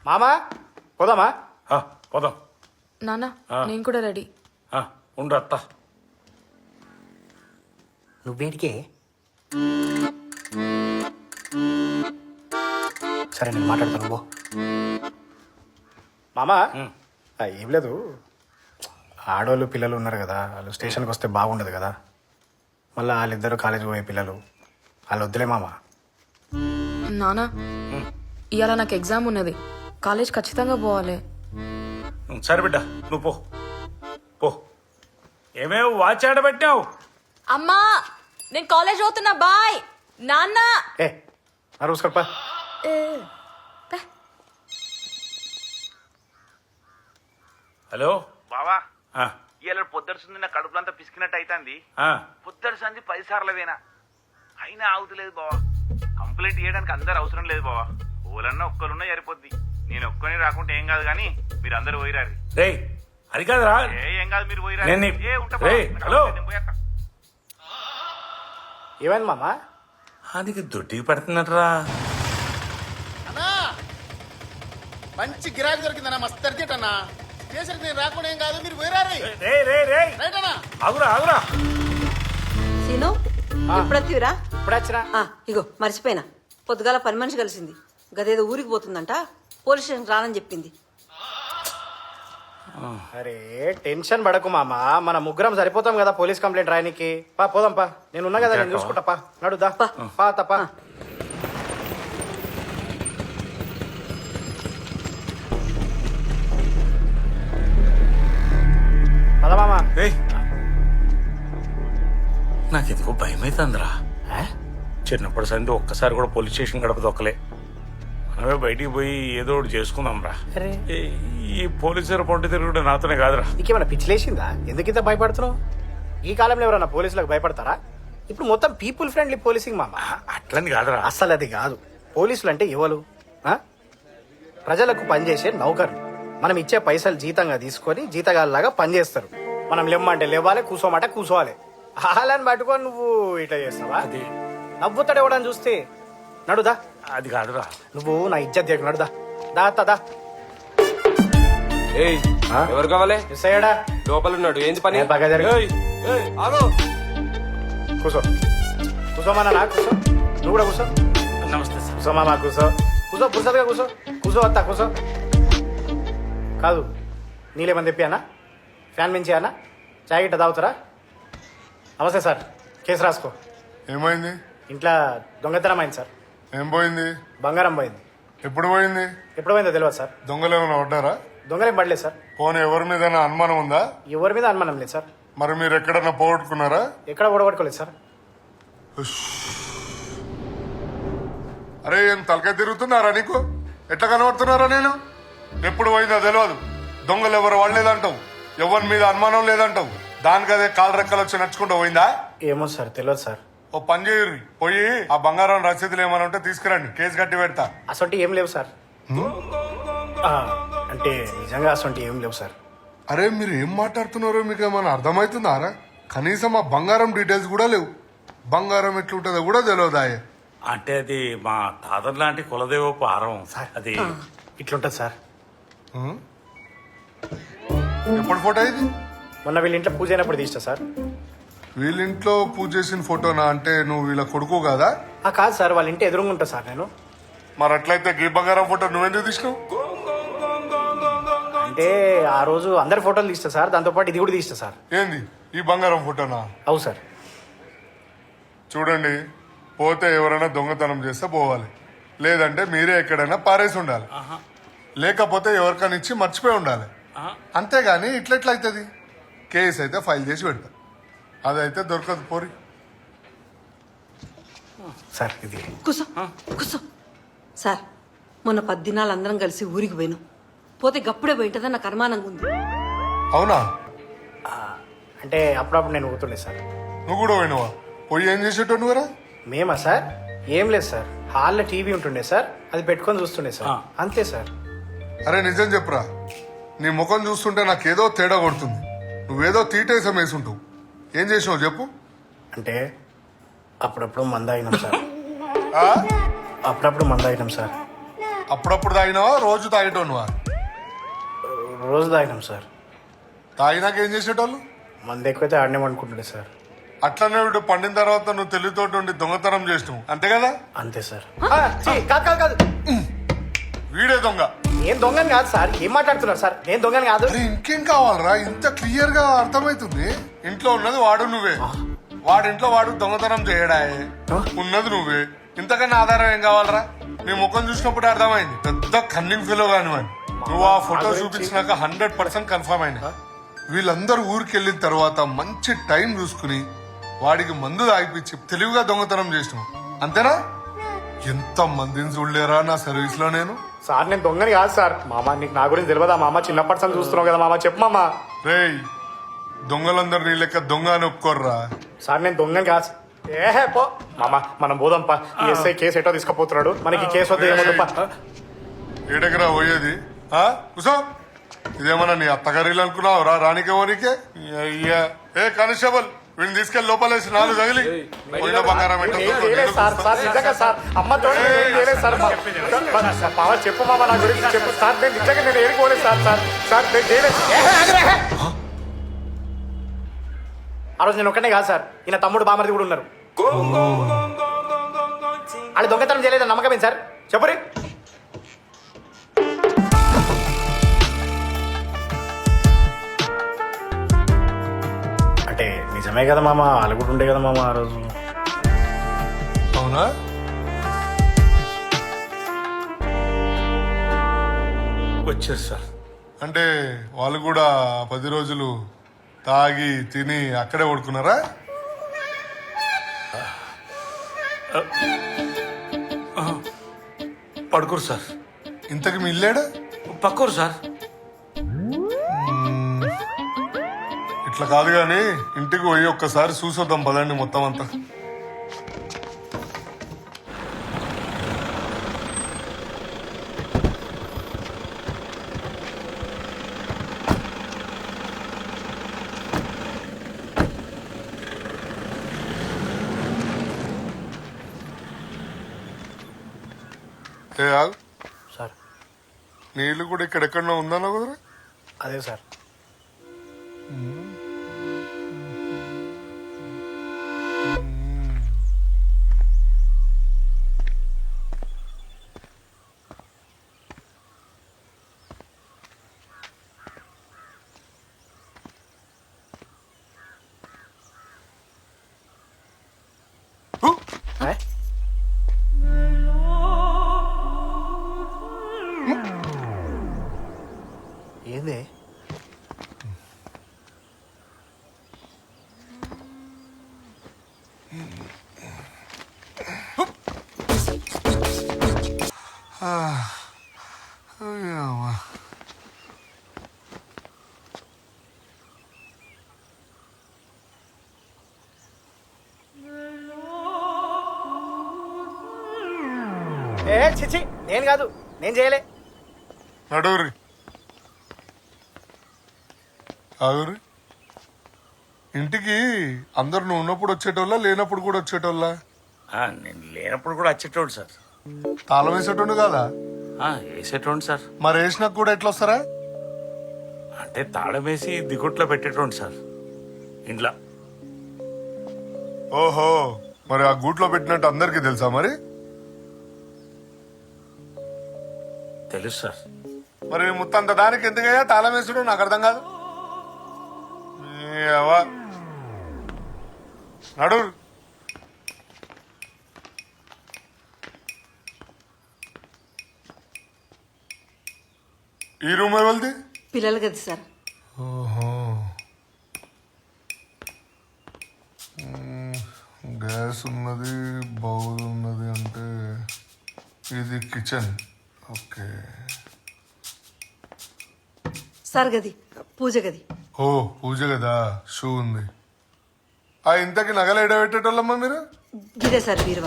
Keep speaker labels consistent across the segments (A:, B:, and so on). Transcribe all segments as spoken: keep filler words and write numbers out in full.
A: మామా పోదామా?
B: ఆ, పోదాం.
C: నాన్న
B: ఆ.
C: నేను కూడా రెడీ.
B: ఆ, ఉండు అత్త.
A: నువ్వేడికే? సరే నేను మాట్లాడతాను పో. మామా
B: ఉమ్.
A: ఆ, ఏం లేదు, ఆడవాళ్ళు పిల్లలు ఉన్నారు కదా, వాళ్ళు స్టేషన్కి వస్తే బాగుండదు కదా, మళ్ళీ వాళ్ళిద్దరు కాలేజీ పోయే పిల్లలు, వాళ్ళు వద్దులే మామ.
C: నాన్న ఇవాళ నాకు ఎగ్జామ్ ఉన్నది, కాలేజ్ ఖచ్చితంగా పోవాలి.
B: ఉమ్, సరే బిడ్డ నువ్వు పో పో. ఏమేమి వాచ్ ఆడబెట్టావు?
C: అమ్మా నేను కాలేజ్ పోతున్నా, బాయ్. నాన్న
A: ఏ ఆ రోజు కడప
B: హలో
D: బావా
B: ఆ,
D: ఇలా పొద్దురుసుంది నా కడుపులంతా పిసికినట్టు అవుతుంది.
B: ఆ,
D: పొద్దురుసంది పది సార్లవేనా అయినా ఆగుతలేదు బావా. కంప్లైంట్ చేయడానికి అందరు అవసరం లేదు బావా, ఓలన్నా ఒక్కరున్నా సరిపోద్ది. నేను ఒక్కని రాకుంటే ఏం కాదు కానీ మీరు అందరు పోయిరారు.
B: రేయ్ అది కాదురా.
D: ఏ ఏం కాదు మీరు పోయిరారు.
B: నేను నీ-
D: ఏ ఉంటా
B: రేయ్,
D: బావా,
B: హలో.
D: నేను పోయేస్తా.
A: ఏమైంది మామ?
B: అది దొడ్డికి పడుతున్నట్రా.
E: అన్నా మంచి గిరాకీ దొరికిందన్నా, మస్తు అర్జెంట్ అన్నా. స్టేషన్కి నేను రాకుండా ఏం కాదు, మీరు పోయిరారు.
B: రే రే రే
E: రైట్ అన్నా.
B: ఆగురా ఆగురా.
F: సీను ఎప్పుడొత్తివిరా?
A: ఇప్పుడు వచ్చినా?
F: ఆ, ఇగో మర్చిపోయినా, పొద్దుగాల పని మనిషి కలిసింది, గదేదో ఊరికి పోతుందంట, పోలీస్ స్టేషన్ రానని చెప్పింది.
A: అరే టెన్షన్ పడకు మామ, మన ముగ్గురం సరిపోతాం కదా పోలీస్ కంప్లైంట్ రాయనికి. పా పోదాం పా, నేను ఉన్నా కదా, నేను చూసుకుంటా. పా నడుదా
F: పా.
A: పా తప్ప. పద మామ.
B: ఏయ్ నాకు ఎందుకో భయం అవుతుందిరా. చిన్నప్పటి సంది ఒక్కసారి కూడా పోలీస్ స్టేషన్ గడప దొక్కలే. మనమే బయటికి పోయి ఏదో ఒకటి చేసుకుందాం రా.
A: అరే
B: ఈ పోలీసులు పొంటి తిరుగుడు నాతోనే కాదురా.
A: నీకేమైనా పిచ్చిలేసిందా? ఎందుకు ఇంత భయపడుతున్నావు? ఈ కాలంలో ఎవరన్నా పోలీసులకు భయపడతారా? ఇప్పుడు మొత్తం పీపుల్ ఫ్రెండ్లీ పోలీసింగ్ మామ.
B: అట్లని కాదురా.
A: అస్సలు అది కాదు. పోలీసులు అంటే ఎవరు? ఆ? ప్రజలకు పనిచేసే నౌకర్లు. మనం ఇచ్చే పైసలు జీతంగా తీసుకొని జీతగాళ్ళలాగా పనిచేస్తారు. మనం లెమ్మంటే లేవాలి, కూసోమంటే కూసోవాలి. హాలని పట్టుకొని నువ్వు ఇట్లా చేస్తావా?
B: అది
A: నవ్వుతాడు ఎవడని చూస్తే. నడుదా,
B: అది కాదురా.
A: నువ్వు నా ఇజ్జత్ దిగ. నడుదా దా దా.
G: ఏయ్ ఎవరు కావాలి?
A: మిస్ అయ్యాడా?
G: లోపల ఉన్నాడు. ఏంది పని?
A: నేను బాగా జరిగి
G: ఏయ్, ఏయ్, ఆగు.
A: కూసో కూసోమన్నా నా కూసో. నువ్వు కూడా కూసో.
B: నమస్తే సార్.
A: కూసో మామా కూసో. కూసో పురుసగా కూసో. కూసో వస్తా కూసో. కాదు నీళ్ళేమని తెప్పియానా? ఫ్యాన్ మించి అన్నా? చాయ్ గిట్ట తాగుతారా? నమస్తే సార్, కేసు రాసుకో.
H: ఏమైంది?
A: ఇంట్లో దొంగతనం అయింది సార్.
H: ఏం పోయింది?
A: బంగారం పోయింది.
H: ఎప్పుడు పోయింది?
A: ఎప్పుడు పోయిందో తెలియదు సార్.
H: దొంగలు ఏమైనా పడ్డారా?
A: దొంగలేం పడలేదు సార్.
H: పోనీ ఎవరి మీద అనుమానం ఉందా?
A: ఎవరి మీద అనుమానం లేదు సార్.
H: మరి మీరు ఎక్కడన్నా పోగొట్టుకున్నారా?
A: ఎక్కడ ఓడగొట్టుకోలేదు సార్.
H: అరే ఏం తలకాయ తిరుగుతున్నారా నీకు? ఎట్లా కనబడుతున్నారా నేను? ఎప్పుడు పోయిందో తెలియదు. దొంగలు ఎవరు వాడలేదంటావు, ఎవరి మీద అనుమానం లేదంటావు, దానికి అదే కాలు రెక్కలు వచ్చి నడుచుకుంటూ పోయిందా?
A: ఏమో సార్, తెలియదు సార్.
H: ఓ పని చేయరు, పోయి ఆ బంగారం రసీదులు ఏమైనా ఉంటే తీసుకురండి, కేసు కట్టి పెడతా.
A: అసొంటి ఏం లేవు సార్. ఆ, అంటే నిజంగా అసొంటి ఏం లేవు సార్.
H: అరే మీరు ఏం మాట్లాడుతున్నారో మీకు ఏమైనా అర్థమవుతుందారా? కనీసం ఆ బంగారం డీటెయిల్స్ కూడా లేవు. బంగారం ఎట్లుంటుందో కూడా తెలియదాయే.
B: అంటే అది మా తాతర్ లాంటి కులదేవ పారం. అది
A: ఇట్లుంటది సార్.
H: ఎప్పుడు ఫోటో ఇది?
A: మొన్న వీళ్ళ ఇంట్లో పూజ అయినప్పుడు తీస్తా సార్.
H: వీళ్ళింట్లో పూజ చేసిన ఫోటోనా? అంటే నువ్వు వీళ్ళ కొడుకు కదా?
A: ఆ కాదు సార్, వాళ్ళ ఇంటి ఎదురుగా ఉంటా సార్ నేను.
H: మరి అట్లయితే గీ బంగారం ఫోటో నువ్వెందుకు తీసినావు?
A: అంటే ఆ రోజు అందరి ఫోటోలు తీస్తా సార్, దాంతోపాటు ఇది కూడా తీస్తా సార్.
H: ఏంది ఈ బంగారం ఫోటోనా?
A: అవు సార్.
H: చూడండి, పోతే ఎవరైనా దొంగతనం చేస్తే పోవాలి, లేదంటే మీరే ఎక్కడైనా పారేసి ఉండాలి, లేకపోతే ఎవరికైనా ఇచ్చి మర్చిపోయి ఉండాలి. అంతేగాని ఇట్లెట్లయితుంది? కేసు అయితే ఫైల్ చేసి పెడతా, అదైతే దొరకదు. పోరి
A: సార్ ఇది
F: కూసో కూసో. సార్ మొన్న పది దినాలు అందరం కలిసి ఊరికి పోయినాం, పోతే గప్పుడే పోయింటదని నాకు అనుమానంగా ఉంది.
H: అవునా?
A: అంటే అప్పుడప్పుడు నేను ఊతుండే సార్.
H: నువ్వు కూడా పోయినవా? పోయి ఏం చేసేటో నువ్వురా?
A: మేమా సార్? ఏం లేదు సార్, హాల్లో టీవీ ఉంటుండే సార్, అది పెట్టుకొని చూస్తుండే సార్, అంతే సార్.
H: అరే నిజం చెప్పురా, నీ ముఖం చూస్తుంటే నాకేదో తేడా కొడుతుంది. నువ్వేదో తీటేసం వేసుంటావు. ఏం చేసినావు చెప్పు.
A: అంటే అప్పుడప్పుడు మంద అయినాం సార్.
H: ఆ?
A: అప్పుడప్పుడు మంద అయినాం సార్.
H: అప్పుడప్పుడు తాగినావా రోజు తాగేటోనువా?
A: రోజు తాగినాం సార్.
H: తాగినాక ఏం చేసేటోళ్ళు?
A: మంది ఎక్కువైతే ఆడినామనుకుంటుండే సార్.
H: అట్లనే వీడు పండిన తర్వాత నువ్వు తెలివితోటి ఉండి దొంగతనం చేసినావు అంతే కదా?
A: అంతే సార్. ఆ, ఛీ, కాదు కాదు కాదు
H: వీడే దొంగ.
A: నేను దొంగని కాదు సార్. ఏం మాట్లాడుతున్నారు సార్? నేను దొంగని కాదు.
H: అరే ఇంకేం కావాలరా? ఇంత క్లియర్ గా అర్థమైతుంది. ఇంట్లో ఉన్నది వాడు నువ్వే, వాడింట్లో వాడు దొంగతనం చేయడాయే, ఉన్నది నువ్వే. ఇంతకన్నా ఆధారం ఏం కావాలరా? నీ ముఖం చూసినప్పుడు అర్థమైంది పెద్ద కన్నింగ్ ఫీలో కానివ్వండి. నువ్వు ఆ ఫోటో చూపించినాక హండ్రెడ్ పర్సెంట్ కన్ఫర్మ్ అయినా. వీళ్ళందరూ ఊరికి వెళ్ళిన తర్వాత మంచి టైం చూసుకుని వాడికి మందు తాగిపించి తెలివిగా దొంగతనం చేసినావు అంతేనా? ఎంత మందిని చూడలేరా నా సర్వీస్ లో నేను.
A: సార్ నేను దొంగని కాదు సార్. మామ నీకు నా గురించి తెలియదా మామ? చిన్నప్పటి నుంచి చూస్తున్నావు కదా మామ. చెప్పు మామ.
H: రేయ్ దొంగలందరు నీ లెక్క దొంగ అని ఒప్పుకోర్రా.
A: సార్ నేను దొంగని కాదు. ఏహే పో మామ, మనం పోదాంపా. ఈ ఎస్ఐ కేసు ఎటో తీసుకుపోతున్నాడు. మనకి కేసు వద్ద ఏమొద్దుపా.
H: ఏడెకరా పోయేది? ఆ కుసో ఇదేమన్నా నీ అత్తగారిలు అనుకున్నావు రా? రానికే ఓనికే అయ్యా. ఏ కానిస్టేబుల్ వీడిని తీసుకెళ్లి లోపలేసి నాలుగు తగిలి పోయిన బంగారం
A: ఏం చేయలేదు సార్. సార్ నిజంగా సార్ అమ్మతో ఏం చేయలేదు సార్. మామ చెప్పు మామ నా గురించి చెప్పు సార్. నేను నిజంగా నేను ఏడుకోలేదు సార్. సార్ సార్ నేను చేయలేదు. ఏహే, ఆగురా, ఏహే. ఆ రోజు నేను ఒక్కనే కాదు సార్. ఈయన తమ్ముడు బామర్ది కూడా ఉన్నారు. వాళ్ళు దొంగతనం చేయలేదు నమ్మకమే సార్. చెప్పురి. అంటే నిజమే కదా మామ. వాళ్ళు కూడా ఉండే కదా మామ ఆ రోజు.
H: అవునా?
B: వచ్చారు సార్.
H: అంటే వాళ్ళు కూడా పది రోజులు తాగి తిని అక్కడే పడుకున్నారా?
B: పడుకోరు సార్.
H: ఇంతకు మీ ఇల్లేడా?
B: పక్కోరు సార్.
H: ఇట్లా కాదు గాని ఇంటికి పోయి ఒక్కసారి చూసొద్దాం పదండి మొత్తం అంతా. ఏ ఆగు.
A: సార్
H: నీ ఇల్లు కూడా ఇక్కడెక్కడో ఉందన్నా కుదరా?
A: అదే సార్. ఏ? ఏంది? ఏ చిచి నేను కాదు. నేను చేయలే.
H: నడువురి ఆగురి. ఇంటికి అందరు నువ్వు ఉన్నప్పుడు వచ్చేటోళ్ళ లేనప్పుడు కూడా వచ్చేటోళ్ళ?
B: ఆ, నేను లేనప్పుడు కూడా వచ్చేటోడు సార్.
H: తాళం వేసేటోండు కాదా?
B: ఆ, వేసేటోండి సార్.
H: మరి వేసినాక కూడా ఎట్లా వస్తారా?
B: అంటే తాళం వేసి దిగుట్లో పెట్టేటోండి సార్ ఇంట్లో.
H: ఓహో, మరి ఆ గూట్లో పెట్టినట్టు అందరికి తెలుసా? మరి
B: తెలుసు సార్.
H: మరి ముత్తంత దానికి ఎందుకయ్యా తాళం వేసుడు? నాకు అర్థం కాదు. ఏవా, నడు. ఈ రూమ్ ఎవరిది?
F: పిల్లలు కదా సార్.
H: ఓహో, మ్మ్. గ్యాస్ ఉన్నది, బౌల్ ఉన్నది. అంటే ఇది కిచెన్. ఓకే
F: సార్ గది పూజ గది.
H: ఓ పూజ కదా, షూ ఉంది. ఆ ఇంతకి నగలు ఎడబెట్టేటోళ్ళమ్మా మీరు?
F: గిదే సార్ బీరువా.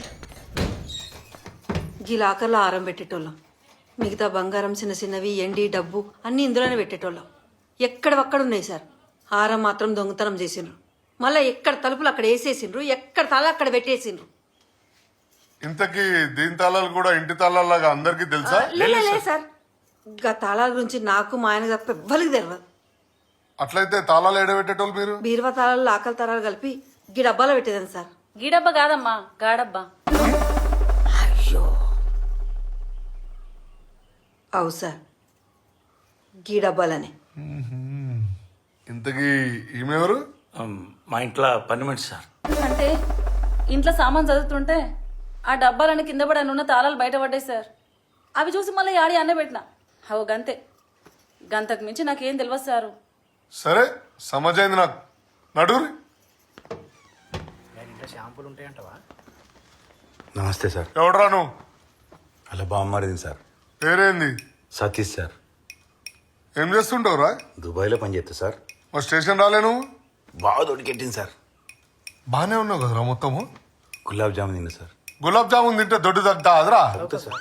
F: గీ లాకర్లో ఆరం పెట్టేటోళ్ళం. మిగతా బంగారం చిన్న చిన్నవి ఎండి డబ్బు అన్ని ఇందులోనే పెట్టేటోళ్ళం. ఎక్కడవక్కడ ఉన్నాయి సార్. హారం మాత్రం దొంగతనం చేసిండ్రు. మళ్ళీ ఎక్కడ తలుపులు అక్కడ వేసేసిండ్రు, ఎక్కడ తల అక్కడ పెట్టేసిండ్రు.
H: ఇంతకీ దీని తాళాలు కూడా ఇంటి తాళాలాగా అందరికీ తెలుసా
F: లే లే, లే సార్ గా తాళాల గురించి నాకు మా ఆయన తప్ప ఎవ్వరికి తెలియదు.
H: అట్లయితే తాళాలు ఎడబెట్టేటోళ్ళు మీరు
F: బీరువా తాళాలు ఆకలి తాళాలు కలిపి గీ డబ్బాలో పెట్టేదాన్ని సార్.
C: గీడబ్బా కాదమ్మా గాడబ్బా.
F: అయ్యో అవు సార్ గీ డబ్బాలని.
H: ఇంతకీ ఈమెవరు
B: ఉమ్, మా ఇంట్లో పని మనిషి సార్.
C: అంటే ఇంట్లో సామాన్ చదువుతుంటే ఆ డబ్బాలని కింద పడి ఉన్న తాళాలు బయటపడ్డాయి సార్. అవి చూసి మళ్ళీ ఆడి అన్న పెట్టిన అవు గంతే. గంతకు మించి నాకేం తెలియదు సారు.
H: సరే సమజైంది నాకు. నడురి.
A: నేను ఇంట్లో షాంపూలు ఉంటాయంటవా?
I: నమస్తే సార్.
H: ఎవడరా నువ్వు?
I: అలా బాగుమారింది సార్.
H: పేరేంది?
I: సతీష్ సార్.
H: ఏం చేస్తుంటావురా?
I: దుబాయ్లో పనిచేస్తా సార్.
H: మా స్టేషన్ రాలే నువ్వు?
I: బాగా దొడికెట్టింది సార్.
H: బానే ఉన్నావు కదరా మొత్తము.
I: గులాబ్ జామున్ తిన్నా సార్.
H: గులాబ్ జామున్ తింటే దొడ్డు తగ్గుతా అదరా?
I: అవుతా సార్.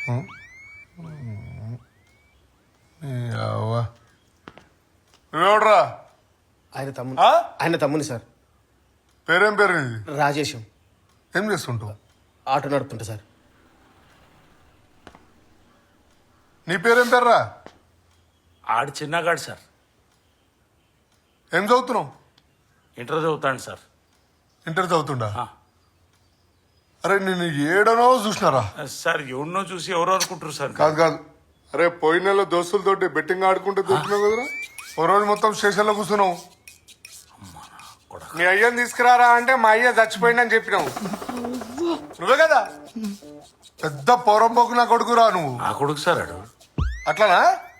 H: నువ్వెవడరా?
A: ఆయన తమ్ముని
H: ఆ?
A: ఆయన తమ్ముని సార్.
H: పేరేం పేరు నీది?
A: రాజేశం.
H: ఏం చేస్తుంటావు?
A: ఆటో నడుపుతుంటా సార్.
H: నీ పేరేం పేర్రా?
B: ఆడు చిన్నగాడు సార్.
H: ఏం చదువుతున్నావు?
B: ఇంటర్ చదువుతాడు సార్.
H: ఇంటర్ చదువుతుండా?
B: ఆ.
H: అరే నేను ఏడనో చూసినారా?
B: సార్ ఎవరినో చూసి ఎవరో అనుకుంటారు సార్.
H: కాదు కాదు. అరే పోయిన నెల దోస్తులతోటి బెట్టింగ్ ఆడుకుంటే దొరికినావు కదరా? ఓ రోజు మొత్తం స్టేషన్లో కూర్చున్నావు. మీ అయ్యని తీసుకురారా అంటే మా అయ్య చచ్చిపోయిందని చెప్పినావు. నువ్వే కదా పెద్ద పొరంపోకు నా కొడుకురా నువ్వు.
B: నా కొడుకు సార్ ఆడు.
H: అట్లానా?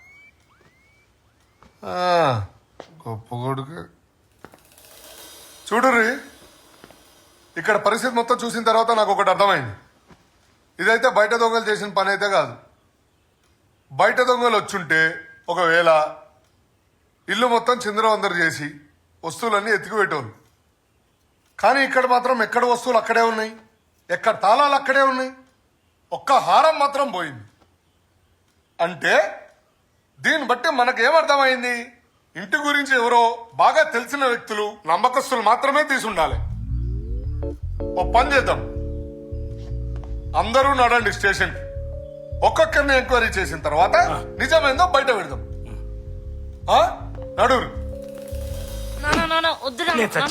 H: ఆ, గొప్ప కొడుకు. చూడుర్రి, ఇక్కడ పరిస్థితి మొత్తం చూసిన తర్వాత నాకు ఒకటి అర్థమైంది. ఇదైతే బయట దొంగలు చేసిన పని అయితే కాదు. బయట దొంగలు వచ్చుంటే ఒకవేళ ఇల్లు మొత్తం చిందరవందరు చేసి వస్తువులన్నీ ఎత్తికిపెట్టేవాళ్ళు. కానీ ఇక్కడ మాత్రం ఎక్కడ వస్తువులు అక్కడే ఉన్నాయి, ఎక్కడ తాళాలు అక్కడే ఉన్నాయి. ఒక్క హారం మాత్రం పోయింది. అంటే దీన్ని బట్టి మనకేమర్థమైంది? ఇంటి గురించి ఎవరో బాగా తెలిసిన వ్యక్తులు, నమ్మకస్తులు మాత్రమే తీసుండాలి. ఓ పని చేద్దాం, అందరూ నడండి స్టేషన్కి. ఒక్కొక్కరిని ఎంక్వైరీ చేసిన తర్వాత నిజమేందో బయట పెడదాం. ఆ? నడురు.
C: వద్దురా